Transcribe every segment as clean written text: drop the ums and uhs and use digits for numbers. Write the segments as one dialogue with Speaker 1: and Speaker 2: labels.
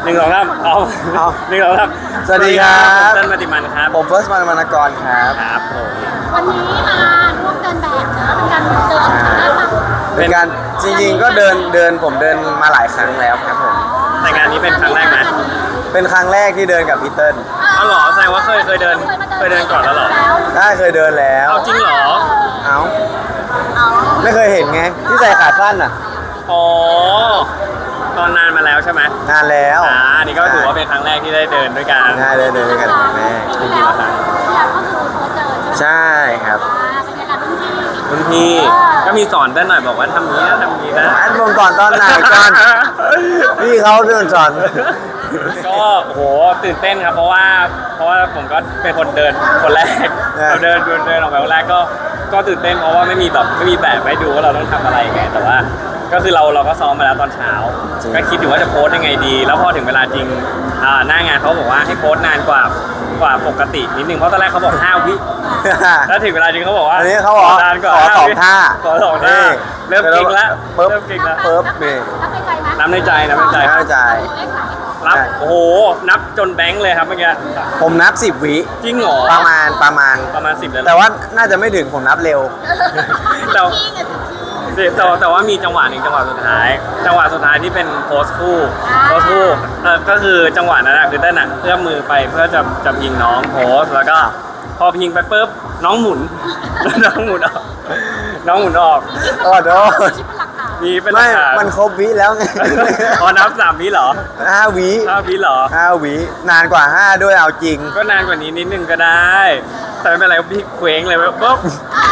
Speaker 1: 1 2 3เอา1 2 3
Speaker 2: สวัสดีครับ
Speaker 1: ผมเต้นมาติมันครับ
Speaker 2: ผมเฟิร์สมานกรครับ
Speaker 1: ครับผม
Speaker 3: วันนี้มาร่วมเดินแบบนะเป็นการเดินแบบ
Speaker 2: เป็นการจริงๆก็เดินผมเดินมาหลายครั้งแล้วครับผม
Speaker 1: แต่งานนี้เป็นครั้งแรกไหม
Speaker 2: เป็นครั้งแรกที่เดินกับพี่เติ้ล
Speaker 1: เอาเหรอแสดงว่าเคยเดินก่อนแล้วเหรอ
Speaker 2: ได้เคยเดินแล้ว
Speaker 1: เอาจริงเหรอ
Speaker 2: เอาไม่เคยเห็นไงที่ใส่ขาสั้นอ่ะ
Speaker 1: อ๋อตอนนานมาแล้วใช่ไหม
Speaker 2: นานแล้ว
Speaker 1: อันนี้ก็ถือว่าเป็นครั้งแรกที่ได้เดินด้วยกัน
Speaker 2: ได้เดินด้วยกันครั้งแรก
Speaker 3: ปีที่แล้วเนี่ยก็คือโค้ชเดินใช่ไหม
Speaker 2: ใช่ครับ
Speaker 3: เป็นการรุ่นพี่
Speaker 1: รุ่นพี่ก็มีสอนเต้นหน่อยบอกว่าทำนี้นะทำนี้นะ
Speaker 2: อันลงก่อนตอนไหนก่อนพี่เขาเดินสอน
Speaker 1: ก็โอ้โหตื่นเต้นครับเพราะว่าผมก็เป็นคนเดินคนแรกเราเดินออกไปคนแรกก็ตื่นเต้นเพราะว่าไม่มีแบบให้ดูว่าเราต้องทำอะไรไงแต่ว่าก็คือเราก็ซ้อมมาแล้วตอนเช้าก็คิดอยู่ว่าจะโพสยังไงดี แล้วพอถึงเวลาจริงหน้างานเขาบอกว่าให้โพสนานกว่าปกตินิดนึงเพราะตอนแรกเขาบอก5 วิแล้วถึงเวลาจริงเขาบอกว่า
Speaker 2: อันนี้เขาบอก
Speaker 1: นานกว่า
Speaker 2: ขอ
Speaker 1: 5
Speaker 2: สอง
Speaker 1: วิ
Speaker 2: ท่า
Speaker 1: ขอ2 ท่าเริ่มเก่งแล้ว
Speaker 2: ปึ๊บ
Speaker 1: เริ่มเก่งแล้ว
Speaker 2: ปึ๊บนี่
Speaker 3: นับในใจไหม
Speaker 1: นับในใจ
Speaker 2: นับในใจ
Speaker 3: เลขไหน
Speaker 1: รับโอ้โหนับจนแบงค์เลยครับเมื่อกี้
Speaker 2: ผมนับ10 วิ
Speaker 1: จริงเหรอ
Speaker 2: ประมาณ
Speaker 1: ประมาณ10เลยเหรอ
Speaker 2: แต่ว่าน่าจะไม่ถึงผมนับเร็ว
Speaker 1: แต่แต่ว่ามีจังหวะหนึ่งจังหวะสุดท้ายที่เป็นโพสคู่ก็คือจังหวะนั้นคือเต้นเอื้อมมือไปเพื่อจะยิงน้องโพสแล้วก็พอยิงไปปุ๊บน้องหมุน น้องหมุนออก
Speaker 2: ขอโทษ
Speaker 3: คิดเป็นหลักฐาน
Speaker 1: มีเป็นหลั
Speaker 2: ไม่
Speaker 1: กฐาน
Speaker 2: มันครบวิแล้วไง
Speaker 1: พอนับ3 วิเหรอ
Speaker 2: 5 วิ
Speaker 1: 5 วิเหรอ
Speaker 2: 5 วินานกว่า 5 ด้วยเอาจริง
Speaker 1: ก็นานกว่านี้นิดนึงก็ได้ แต่ไม่เป็นไรพี่เคว้งเลยปุ๊บ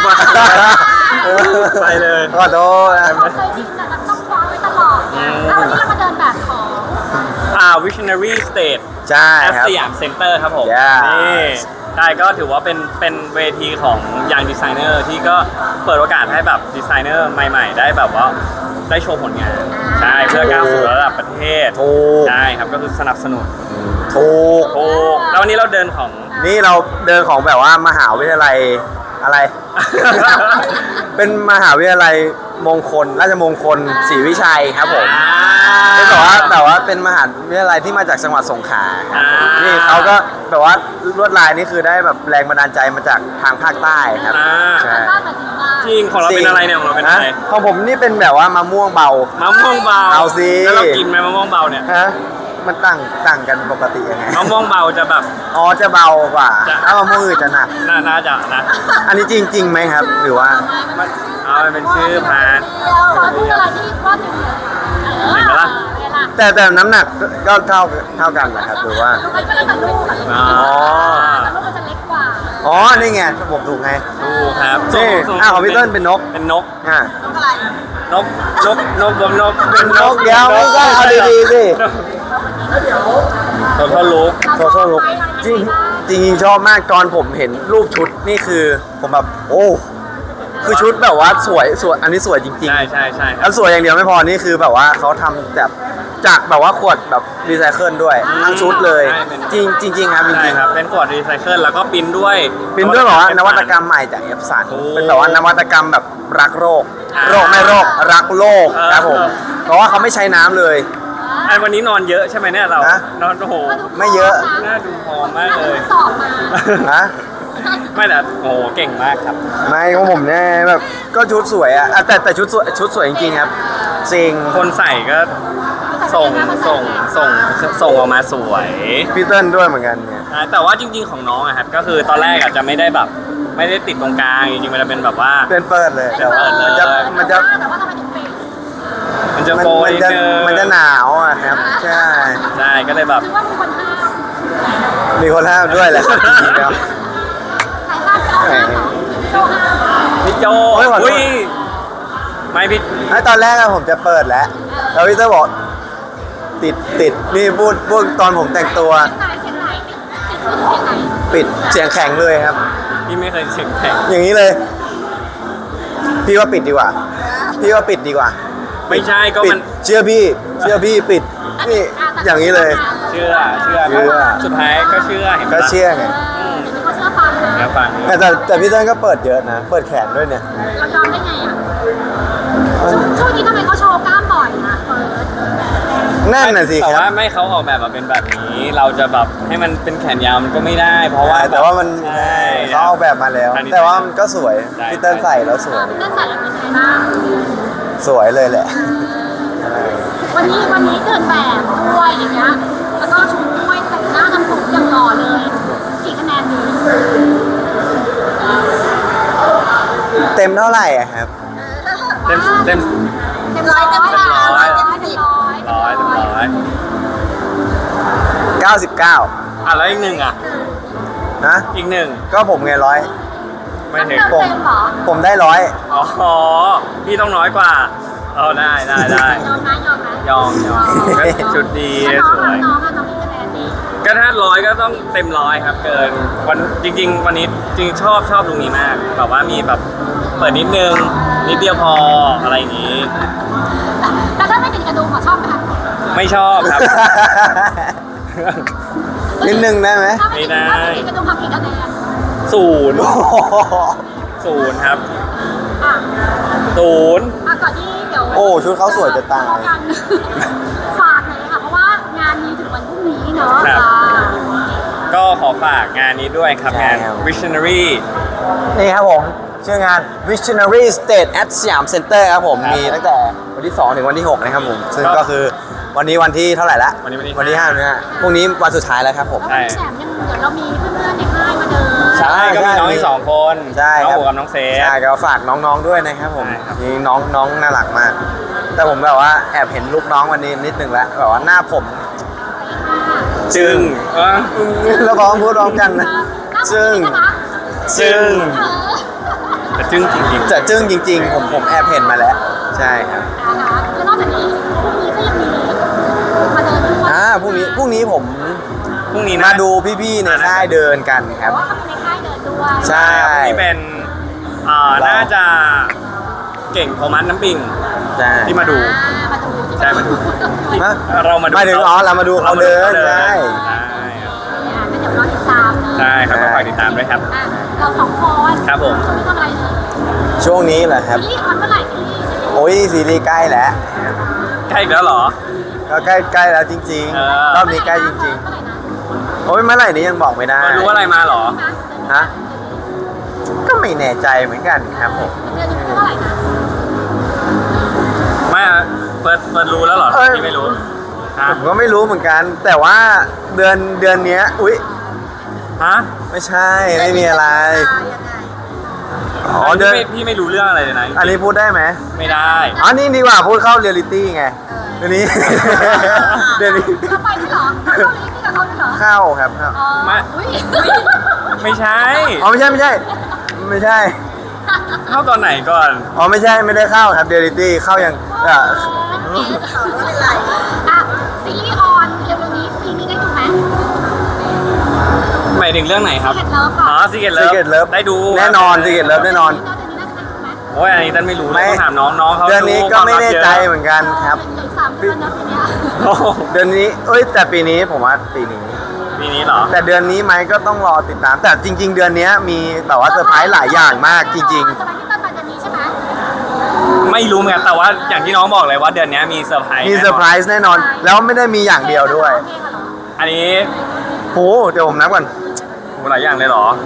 Speaker 1: ไปเลย
Speaker 2: ขอโทษนะ
Speaker 3: เราเคยชินแต่ต้องคว้าไว้ตลอดนะแล้ววันนี้เรามาเดินแบบของ
Speaker 1: Visionary Stage
Speaker 2: ใช่
Speaker 1: แอ
Speaker 2: ครับ
Speaker 1: สยามเซ็นเตอร์ครับผม
Speaker 2: Yeah
Speaker 1: นี่ใช่ก็ถือว่าเป็นเวทีของยังดีไซเนอร์ที่ก็เปิดโอกาสให้แบบดีไซเนอร์ใหม่ๆ ได้แบบว่าได้โชว์ผลงาน ใช่เพื่อก้าวสู่ระดับประเทศ
Speaker 2: ถูก
Speaker 1: ใช่ครับก็คือสนับสนุน
Speaker 2: ถูก
Speaker 1: โอ้แล้ววันนี้เราเดินของ
Speaker 2: นี่เราเดินของแบบว่ามหาวิทยาลัยอะไร เป็นมหาวิทยาลัยมงคลราชมงคลศรีวิชัยครับผมเป็นแต่ว่าเป็นมหาวิทยาลัยที่มาจากจังหวัดสงขลาครับผมนี่เขาก็แบบว่าลวดลายนี่คือได้แบบแรงบันดาลใจมาจากทางภาคใต้ครับใช่
Speaker 3: บ้านแบบนี้ว่า
Speaker 1: จริงของเราเป็นอะไรเนี่ยของเราเป็นอะไร
Speaker 2: ของผมนี่เป็นแบบว่ามะม่วงเบาม
Speaker 1: ะม่วงเบา
Speaker 2: เอาสิ
Speaker 1: แล้วเรากินไหมมะม่วงเบาเนี่ย
Speaker 2: ฮะมันต่างกันปกติยังไง
Speaker 1: มะม่วงเบาจะแบบ
Speaker 2: อ๋อจะเบากว่า
Speaker 1: จะ
Speaker 2: ถ้ามะม่วงอื่นจะหนัก
Speaker 1: น่าจะนะ
Speaker 2: อันนี้จริงไหมครับ หรือว่า
Speaker 1: มันเอาไปเป็นชื่อพาร์ท
Speaker 3: เราพูดอะไรที่ว่าจริงเลย
Speaker 1: เห็นไหมล่ะ
Speaker 3: เวลา
Speaker 2: แต่น้ำหนักก็เท่ากันนะครับหรือว่า
Speaker 3: ลูกก็แล้วแต่ลูกแต่
Speaker 1: อ๋อ
Speaker 3: ลูกมันจะเล็กกว่า
Speaker 2: อ๋อ นี่ไงผมถูกไง
Speaker 1: ดูครับ
Speaker 2: นี่ของพี่เติ้ลเป็นนก
Speaker 1: เป็นนก
Speaker 2: อ่ะ
Speaker 3: อะไร
Speaker 1: นกเป็น
Speaker 2: นกเดี๋ยวไม่ใช่เอาดีๆสิ
Speaker 1: ตัวเท่าลูก
Speaker 2: โซโซลุกจริงจริงชอบมากตอนผมเห็นรูปชุดนี่คือผมแบบโอ้คือชุดแบบว่าสวยอันนี้สวยจริง
Speaker 1: ใช่
Speaker 2: ๆแล้วสวยอย่างเดียวไม่พอนี่คือแบบว่าเขาทำแบบจากแบบว่าขวดแบบรีไซเคิลด้วยทั้งชุดเลย จริงครับจ
Speaker 1: ใช่
Speaker 2: ริง
Speaker 1: ครับเป็นขวดรีไซเคิลแล้วก็ปริ้นด้วย
Speaker 2: ๆเป็นด้วยแบบว่านวัตกรรมใหม่จากเอฟสัน
Speaker 1: โอ้
Speaker 2: เป็นแบบว่านวัตกรรมแบบรักโรคไม่โรครักโลกครับผมเพราะว่าเขาไม่ใช้น้ำเลย
Speaker 1: อันวันนี้นอนเยอะใช่ไหมเนี่ยเรา
Speaker 2: ฮะ
Speaker 1: นอนโอ้โห
Speaker 2: ไม่เยอะ
Speaker 1: น่าดูพอมมากเลย
Speaker 3: สอบมา
Speaker 2: นะ
Speaker 1: ไม่แต่โอ้โหเก่งมากครับ
Speaker 2: ไม่ของผมเนี่ยแบบก็ชุดสวยอะแต่ชุดสวยจริงๆครับจริง
Speaker 1: คนใส่ก็ส่งออกมาสวย
Speaker 2: พี่เติ้ลด้วยเหมือนกันเนี่ย
Speaker 1: แต่ว่าจริงๆของน้องอะครับก็คือตอนแรกอาจจะไม่ได้แบบไม่ได้ติดตรงกลางจริงๆมันจะเป็นแบบว่า
Speaker 2: เป็นเปิดเลยแต่ว่า
Speaker 1: เปิดเลย
Speaker 2: มันจะ
Speaker 3: แต่ว่าทำไมถึงเป็น
Speaker 1: มันจะโกย
Speaker 2: มันจะหนาวอะครับใช่
Speaker 1: ใช่ก็เลยแบบ
Speaker 3: คือว่ามีคนห้าม
Speaker 2: มีคนห้ามด้วยแหละครับจริงๆแล้ว
Speaker 3: ใครห้ามก็ห้ามเหรอโชว์ห้าม
Speaker 1: พี่โจ
Speaker 2: โอ้ยขอโทษ
Speaker 1: อุ้ยไม่พี่
Speaker 2: ตอนแรกอะผมจะเปิดแล้วพี่เติ้ลบอกติดนี่พูดตอนผมแต่งตัว
Speaker 3: เสียงไหนติดเสียงไหน
Speaker 2: ปิดเสียงแข็งเลยครับ
Speaker 1: พี่ไม่เคยเสียงแข็ง
Speaker 2: อย่างนี้เลย พี่ว่าปิดดีกว่า
Speaker 1: ไม่ใช่ก็
Speaker 2: ปิ
Speaker 1: มั
Speaker 2: ด
Speaker 1: น
Speaker 2: เชื่อพี่ปิดนี่อย่างนี้เลย
Speaker 1: เชื่อ สุดท้ายก็เชื่อเห็นปะ
Speaker 2: ก็เชื่อไง
Speaker 1: อืม
Speaker 3: เขาเชื่อฟังนะ
Speaker 1: เดี๋ยวฟัง
Speaker 2: แต่พี่เติ้ลก็เปิดเยอะนะ เปิดแขนด้วยเนี่ย
Speaker 3: เรายอมได้ไงอ่ะช่วงนี้ทำไมเขาโชว์กล้ามบ่อยนะเฟิร์ส
Speaker 2: นั่นน่ะสิ
Speaker 1: แต่
Speaker 2: ครั
Speaker 1: ว่า
Speaker 2: บ
Speaker 1: ไม่เขาออกแบบมาเป็นแบบนี้ เราจะแบบให้มันเป็นแขนยาวมันก็ไม่ได้ เพราะว่า
Speaker 2: แต่ว่ามัน
Speaker 1: ใช่
Speaker 2: เขาเอาแบบมาแล้ว
Speaker 1: อันนี้
Speaker 2: แต่ว่ามันก็สวย
Speaker 1: ใช่
Speaker 2: พี่เติ้ลใส่แล้วสวย
Speaker 3: เรื่องใส่แล้วเป็นไงบ้าง
Speaker 2: สวยเลยแหละ
Speaker 3: วันนี้เดินแบบด้วยอย่างเงี้ยแล้วก็ชุดด้วยแต่งหน้าทำผมอย่างหล่อเลยกี่คะแนนดี
Speaker 2: เต็มเท่าไหร่อะครับ
Speaker 1: เต็ม
Speaker 3: เต็มร้อยเต็มสิบ
Speaker 1: ร้อย
Speaker 3: เต็มสิบ
Speaker 1: ร้อยเต็มร้อย
Speaker 2: 99
Speaker 1: อ่ะแล้วอีกหนึ่งอ่ะ
Speaker 2: นะ
Speaker 1: อีกหนึ่ง
Speaker 2: ก็ผมไงร้อย
Speaker 1: ไม่ถึง
Speaker 3: เต็มเหรอ
Speaker 2: ผมได้ร้อย
Speaker 1: อ๋อพี่ต้องน้อยกว่าเอาได้
Speaker 3: ยอมนะ
Speaker 1: ยอมชุดดี
Speaker 3: แล้ว
Speaker 1: ส
Speaker 3: น้อง
Speaker 1: วย
Speaker 3: น้องกี่คะแนนดี
Speaker 1: ก็ถ้าร้อยก็ต้องเต็มร้อยครับ เกินวันจริง ๆ วันนี้จริงชอบลุงนี้มากแบบว่ามีแบบเปิดนิดนึงนิดเดียวพออะไรอย่างงี้
Speaker 3: แต่ถ้าไม่ติดกระดุมชอบไหมคะ
Speaker 1: ไม่ชอบครับ
Speaker 2: นิดนึงได้ไหม
Speaker 3: ถ้าไม่ติดกระดุมทำกี่คะแนน
Speaker 1: ศูนย์
Speaker 2: โอ้โห
Speaker 1: ศูนย์ครับ
Speaker 3: อ่ะ
Speaker 1: ศูนย์
Speaker 3: ก่อนที่เดี๋ยว
Speaker 2: โอ้ชุดเขาสวยจะตาย
Speaker 3: ฝากเลยค่ะเพราะว่างานมีถึงวันพรุ่งนี้เนาะ
Speaker 1: ก็ขอฝากงานนี้ด้วยครับ
Speaker 2: ใช่
Speaker 1: งาน
Speaker 2: ครับ
Speaker 1: Visionary
Speaker 2: นี่ครับผมชื่องาน Visionary State at สยามเซ็นเตอร์ครับผม
Speaker 1: ครับ
Speaker 2: มีตั้งแต่วันที่ 2 ถึงวันที่ 6 นะครับผม ซึ่ง
Speaker 1: ครับ
Speaker 2: ก็คือวันนี้วันที่เท่าไหร่ละ
Speaker 1: วันนี้วันที่
Speaker 2: วันที่5นะฮะพรุ่งนี้วันสุดท้ายแล้วครับผม
Speaker 3: แล้วแถมยังเดี๋ยวเรามีเพื่อนๆในค่ายมาเดิน
Speaker 2: ใช่
Speaker 1: ก็มีน้องอีกสองคน
Speaker 2: ใช่
Speaker 1: น้อง
Speaker 2: ครับ
Speaker 1: โอกับน้องเซฟ
Speaker 2: ใช่ก็ฝากน้องๆด้วยนะครับผม
Speaker 1: ใช่ครับ
Speaker 2: นี่น้องน่ารักมาก แต่ผมแบบว่าแอบเห็นลูกน้องวันนี้นิดนึงแล้วแบบว่าหน้าผม
Speaker 1: จึงเออ
Speaker 2: แล้วร้องพูดร้องกันนะจึ้ง
Speaker 1: จึงแต่จึงจริงๆ
Speaker 2: จะจึ้งจริงๆ ผมแอบเห็นมาแล้ว ใช่ครับ
Speaker 3: แล้วนอกจากนี้พรุ่งนี้ก็ยังมีมาเดินด้วย
Speaker 2: พรุ่งนี้ผม
Speaker 1: พรุ่งนี้นะ
Speaker 2: มาดูพี่ๆในค่ายเดินกันค
Speaker 3: แต่
Speaker 2: รับ
Speaker 3: ว่าเขาเป็นในค่ายเดินด้วย
Speaker 2: ใช่
Speaker 1: ที่เป็นน่าจะเก่งโทมัสน้ำปิง
Speaker 2: ใช่
Speaker 1: ที่มาดู
Speaker 3: มาดู
Speaker 1: ใช่มาดู
Speaker 2: ฮะ
Speaker 1: เรามาดู
Speaker 2: หมายถึงอ๋อเรามาดูเขาเดินใช่
Speaker 3: ก็เดี๋ยวรอติดตามเลย
Speaker 1: ใช่ครับก็ฝากติดตามด้วยครับ
Speaker 3: เราสองคน
Speaker 1: ครับผม
Speaker 3: ช่วงนี้ทำอะไรเลย
Speaker 2: ช่วงนี้เหรอครับ
Speaker 3: ซีรีส์ออนเมื่อไหร่ซีรีส์
Speaker 2: โอ้ยซีรีส์ใกล้แล้ว
Speaker 1: ใกล้อีกแล้วเหรอ
Speaker 2: ก็ใกล้แล้วจริง
Speaker 1: เออ
Speaker 2: ๆรอบนี้ใกล้จริง
Speaker 3: เมื่อไหร่นะ
Speaker 2: ๆโอ้ยเมื่อไหร่นี้ยังบอกไม่ได้
Speaker 1: รู้อะไรมาเหรอ
Speaker 2: ฮะก็ไม่แน่ใจเหมือนกันครับผม
Speaker 3: เดือนนี้เท่าไหร่นะ
Speaker 1: ไม่อะเปิดรู้แล้วเหรอ
Speaker 2: เอ้ย
Speaker 1: ที่ไม่รู้ฮะ
Speaker 2: ผมก็ไม่รู้เหมือนกัน แต่ว่าเดือนเนี้ยอุ๊ย
Speaker 1: ฮะ
Speaker 2: ไม่ใช่ไม่มีอะไร
Speaker 3: ยังไง
Speaker 2: อ๋อเดือน
Speaker 1: พี่ไม่รู้เรื่องอะไรเลยนะ
Speaker 2: อันนี้พูดได้ไหม
Speaker 1: ไม่ได้
Speaker 2: อ๋อนี่ดีกว่าพูดเข้าเรียลลิตี้ไงเดี๋ยวนี้ เดี๋ยวนี้
Speaker 3: เราไปด้วยเหรอเราเล่นกับเขาด้วยเหรอ
Speaker 2: เข้าครับเข้า
Speaker 3: อุ้ย
Speaker 1: ไม่ใช่
Speaker 2: อ๋อไม่ใช่ไม่ใช่ ไม่ใช่
Speaker 1: เข้าตอนไหนก่อน
Speaker 2: อ๋อไม่ใช่ไม่ได้เข้าครับเรียลลิตี้เข้ายัง
Speaker 3: อ่
Speaker 2: อ่ะ
Speaker 3: ะซีรีส์ออนเร็วๆนี้ปีนี้ได้ดูไหม
Speaker 1: หมายถึงเรื่องไหนครับ
Speaker 3: Secret Love ค่ะ
Speaker 1: อ๋อ Secret
Speaker 2: ซี
Speaker 1: Love
Speaker 2: เกตเลิฟ
Speaker 1: ได้ดู
Speaker 2: แน่นอนซีเกตเลิฟแน่นอน
Speaker 3: เดือนนี้น่าจะได้ดูไหม
Speaker 1: โอ้ยอันนี้ตั้นไม่รู้เลย
Speaker 2: ไม่
Speaker 1: ต้องถามน้องเขา
Speaker 2: เดือนนี้ก็ไม่แน่ใจเห
Speaker 1: อน
Speaker 2: มือนกันครับ
Speaker 3: เหลือ3 เดือนนะทีเนี้ย
Speaker 2: เดือนนี้เอ้ยแต่ปีนี้ผมว่าปีนี้
Speaker 1: ปีนี้เหรอ
Speaker 2: แต่เดือนนี้ไหมก็ต้องรอติดตาม แต่จริง ๆ เดือนนี้มีแบบว่าเซอร์ไพรส์หลายอย่างมากจริง
Speaker 3: เซอร์ไพรส์ที่ต้นมาเดือนนี้ใช่ไหม
Speaker 1: ไม่รู้เหมือนกันแต่ว่าอย่างที่น้องบอกเลยว่าเดือนนี้มีเซอร์ไพรส์
Speaker 2: ๆ มีเซอร์ไพรส์แน่นอน แล้วไม่ได้มีอย่างเดียวด้วย
Speaker 3: เพลงอะเหรอ
Speaker 1: อันนี้
Speaker 2: โหเดี๋ยวผมนับก่อน
Speaker 1: โหหลายอย่างเลยเหรอ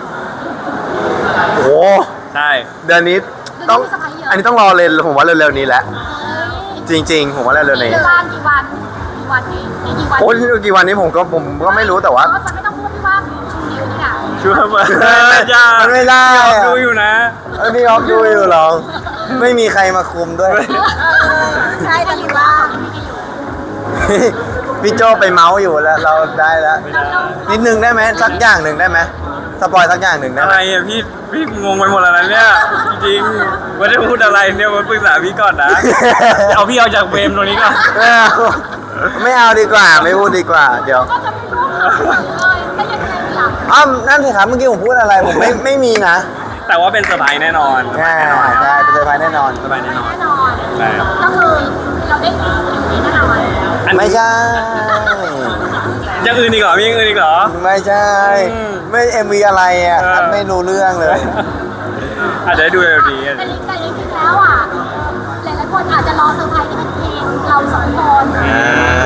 Speaker 2: โห
Speaker 1: ใช่
Speaker 2: เดือนนี้ต้อง
Speaker 3: เดืนนี้มีเซอร์ไพรส์เยอะ
Speaker 2: อันนี้ต้องรอเลยผมว่าเร็วๆนี้แหละ
Speaker 3: เฮ้ย
Speaker 2: จริง ๆ ผมว่าเร็วๆนี้
Speaker 3: กี่วันกี่วันเองกี่วัน
Speaker 2: โอ้ยกี่วันนี้ผมก็ไม่รู้แต่ว่า
Speaker 3: จะไม่ต้องพูดที่ว่าชูนิ้วนี่ค่ะ
Speaker 1: ช่วยมา
Speaker 2: มันไม่ได้อะ
Speaker 1: ดูอยู่นะ
Speaker 2: พี่ออฟดูอยู่หรอไม่มีใครมาคุมด้วย
Speaker 3: ใช่แต่ว่า
Speaker 2: พี่โจไปเมาส์อยู่แล้วเราได้แล้ว นิดนึงได้ไหมสักอย่างหนึ่งได้ไหมสปอยสักอย่างหนึ่งได้
Speaker 1: อะ
Speaker 2: ไหม
Speaker 1: ไรอ่ะพี่งงไปหมดแล้วนะเนี่ยจริงๆไม่ได้พูดอะไรเนี่ยมาปรึกษาพี่ก่อนนะ เอาพี่เอาจากเวมตรงนี้ก่อน
Speaker 2: ไม่เอาดีกว่าไม่พูดดีกว่า เดี๋ยว
Speaker 3: ก็จะไม่รู้เลยถ้ายังไงหลับ
Speaker 2: นั่นสิครับเมื่อกี้ผมพูดอะไรผมไม่มีนะ
Speaker 1: แต่ว่าเป็นเซอร์ไพรส์แน่นอน
Speaker 2: ใช่ใช่เป็นเซอร์ไพรส์แน่นอน
Speaker 1: เซอร์ไพรส์แน่นอน
Speaker 3: แน่นอน
Speaker 1: ใช่ครับ
Speaker 3: ก็คือเราได้ดูอยู่นี้แน่นอน
Speaker 1: อันนี้
Speaker 2: ไม่ใช่
Speaker 1: ยังอื่นอีกเหรอมีอย่างอื่นอีกเหรอ
Speaker 2: ไม่ใช่
Speaker 1: อืม
Speaker 2: ไม่เอ็มวีอะไรอ่ะครับไม่รู้เรื่องเลย
Speaker 1: อาจจะได้ดูเร็วดี
Speaker 3: แต่จริงๆแล้วอ่ะหลายๆคนอาจจะรอเซอร์ไพรส์ที่เป็นเพลงเราสองคน
Speaker 1: อ่า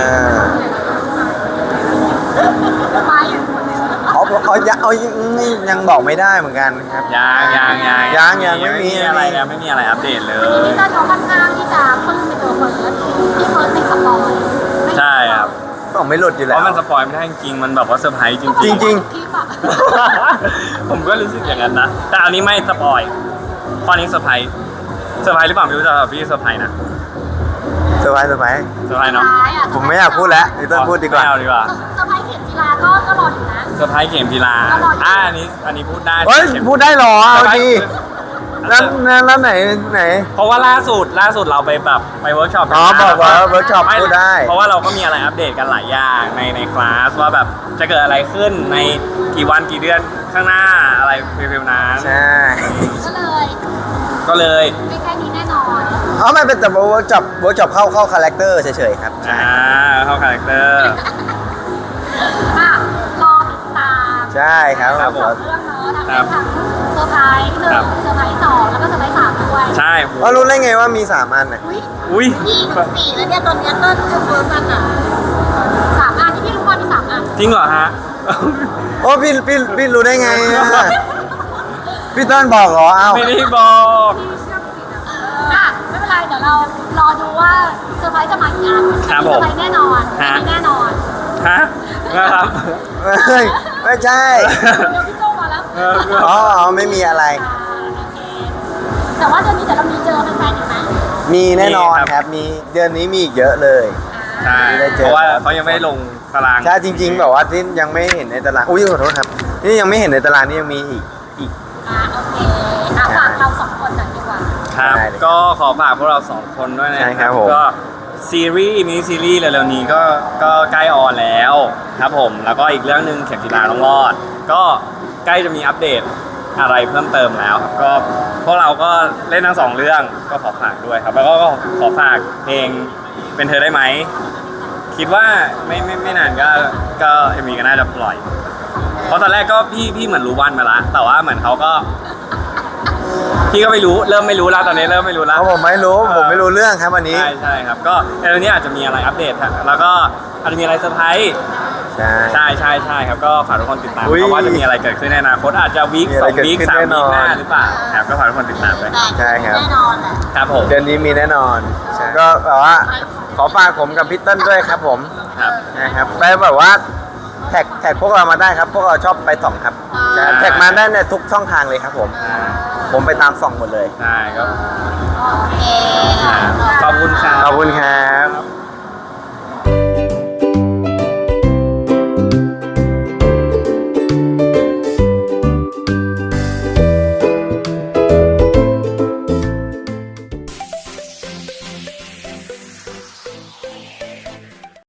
Speaker 2: ยังบอกไม่ได้เหมือนกันครับ ยังไม่มี
Speaker 1: อะไรนะไม่มีอะไรอัปเดตเล
Speaker 3: วันนี้
Speaker 1: ย
Speaker 3: พี่เติ้ลเขาค่อนข้างที่จะปลื้มในตัวเฟิร์สที่เฟิร์สเป็นสปอยไม่
Speaker 1: ใช่ครับ
Speaker 2: ต้องไม่หลุดอยู่
Speaker 1: เพ
Speaker 2: แล้ว
Speaker 1: ราะมันสปอยไม่ได้จริงๆมันแบบว่าเซอร์ไพรส์จริงๆ
Speaker 2: จริง
Speaker 3: คลิปอะ
Speaker 1: ผมก็รู้สึกอย่างนั้นนะ แต่อันนี้ไม่สปอยตอนนี้เซอร์ไพรส์หรือเปล่าไม่รู้แต่พี่เซอร์ไพรส์นะ
Speaker 2: เซอร์ไพรส์
Speaker 1: เซอร์ไพรส์เนาะ
Speaker 2: ผมไม่อยากพูดแล้วพี่ต้นพูดดีกว่า
Speaker 1: ไม่เอาดีกว่า
Speaker 3: เซอร์ไพรส์เข็มจีราก็รออยู่นะ
Speaker 1: เซอร์ไพรส์เข็มพีลา
Speaker 3: อร่อย
Speaker 1: อันนี้พูดได้
Speaker 2: เฮ้ย
Speaker 1: เข็ม
Speaker 2: พูดได้เหรอเอาดี
Speaker 1: แล้
Speaker 2: แล้วไหน
Speaker 1: เพราะว่าล่าสุดเราไปแบบไปเวิร์กช็อป
Speaker 2: อ๋อบอกว่าเวิร์กช็อป
Speaker 1: ไม่
Speaker 2: พูดได้
Speaker 1: เพราะว่าเราก็มีอะไรอัปเดตกันหลายอย่างในคลาสว่าแบบจะเกิดอะไรขึ้นในกี่วันกี่เดือนข้างหน้าอะไรฟิลๆนั้น
Speaker 2: ใช่
Speaker 3: ก็เลย
Speaker 1: ก็เลย
Speaker 3: ไม่แค่นี้แน่นอน
Speaker 2: อ๋อไม่เป็นแต่เวิร์กช็อปเข้าคาแรคเตอร์เฉยๆครับใช่
Speaker 1: เข้าคาแรคเตอร์
Speaker 3: อ่ะรอติดตาม
Speaker 2: ใช่ครับ
Speaker 1: ครับผม
Speaker 3: สองเรื่องเนาะทั้งเซอร์ไพรส์หนึ่ง
Speaker 1: ครับ
Speaker 3: เซอร์ไพรส์สองแล้วก็เซอร์ไพรส์สามด้วย
Speaker 1: ใช่
Speaker 2: อ๋อรู้ได้ไงว่ามี3อันน่ะ
Speaker 3: อุ้ย
Speaker 1: อุ้ย
Speaker 3: พี่สี่แล้วเนี่ยตอนเนี้ยเติ้ลคือเฟิร์สกันอ่ะสามอันที่พี่รู้ว่ามีสามอัน
Speaker 1: จริงเหรอฮะ
Speaker 2: โอ้พี่รู้ได้ไงอะพี่ต้นบอกเหรอเอ้า
Speaker 1: ไม่ได้บอก
Speaker 3: อ่ะไม่เป็นไรเดี๋ยวเรารอดูว่าเซอร์ไพรส์จะมากี่อัน
Speaker 1: ครับ
Speaker 3: เซ
Speaker 1: ผ
Speaker 3: อ
Speaker 1: ม
Speaker 3: ร์ไพรส์แน่นอน
Speaker 1: ฮะ
Speaker 3: มีแน่นอน
Speaker 1: ฮะนะครับ
Speaker 2: เฮ้ยไม่ใช่
Speaker 3: เดี๋ยวพี่โจมาแล้ว
Speaker 2: อ๋อไม่มีอะไร
Speaker 3: โอเคแต่ว่าเดือนนี้เดี๋ยวเรามีเจอแฟนๆอีกไหม
Speaker 2: มีแน่นอนครับมีเดือนนี้มีอีกเยอะเลย
Speaker 1: ใช่
Speaker 2: ได้เจอ
Speaker 1: เพราะว่าเขายังไม่ได้ลงตาราง
Speaker 2: ใช่จริงๆแบบว่าที่ยังไม่เห็นในตารางอุ้ยขอโทษครับนี่ยังไม่เห็นในตารางนี่ยังมีอีก
Speaker 3: โอเคอ่ะฝากเราสองคนหน่อยดีกว่า
Speaker 1: ครับ
Speaker 2: ได้เลย
Speaker 1: ก็ขอฝากพวกเรา2คนด้วยนะ
Speaker 2: ใช่ครับผม
Speaker 1: ก็ซีรีส์มินิซีรีส์เร็วๆนี้ก็ใกล้ออนแล้วครับผมแล้วก็อีกเรื่องหนึ่งเข็มจีราต้องรอด ก็ใกล้จะมีอัปเดตอะไรเพิ่มเติมแล้วครับก็พวกเราก็เล่นทั้ง2เรื่องก็ขอฝากด้วยครับ แล้วก็ขอฝากเพลงเป็นเธอได้ไหมคิดว่าไม่นานก็เอ็มวีก็น่าจะปล่อย เพราะตอนแรกก็พี่เหมือนรู้วันมาละแต่ว่าเหมือนเขาก็ พี่ก็ไม่รู้เริ่มไม่รู้แล้วตอนนี้เริ่มไม่รู้แล้ว
Speaker 2: เพราะผมไม่รู้เรื่องครับวันนี้
Speaker 1: ใช่ครับก็เดี๋ยวนี้อาจจะมีอะไรอัปเดตฮะแล้วก็อาจจะมีอะไรเซอร์ไพรส์
Speaker 2: ใช่
Speaker 1: ใช่ครับก็ฝากทุกคนติดตาม
Speaker 2: อุ๊ย
Speaker 1: เพราะว่าจะมีอะไรเกิดขึ้นในอนาคตอาจจะวีค
Speaker 2: มีอะ
Speaker 1: ส
Speaker 2: ไร
Speaker 1: องวีค
Speaker 2: เกิดขึ้น
Speaker 1: สาม
Speaker 2: แน่
Speaker 1: วี
Speaker 2: นอน
Speaker 1: คหน้าหรือเปล่าครับก็ฝากทุกคนติดตามด้วย
Speaker 2: ใช่ครับ
Speaker 3: แน่นอนแหละ
Speaker 1: ครับผม
Speaker 2: เดือนนี้มีแน่นอนก็แบบว่าขอฝากผมกับพี่เติ้ลด้วยครับผม
Speaker 1: ครับ
Speaker 2: นะครับไปแบบว่าแท็กพวกเรามาได้ครับ พวกเราชอบไปส่องครับ
Speaker 3: อ่า
Speaker 2: แท็กมาได้ในทุกช่องทางเลยครับผม
Speaker 1: อ่า
Speaker 2: ผมไปตามส่องหมดเลย
Speaker 1: ใช่ก็
Speaker 3: โอเค
Speaker 1: ขอบคุณครับ
Speaker 2: ขอบคุณครับ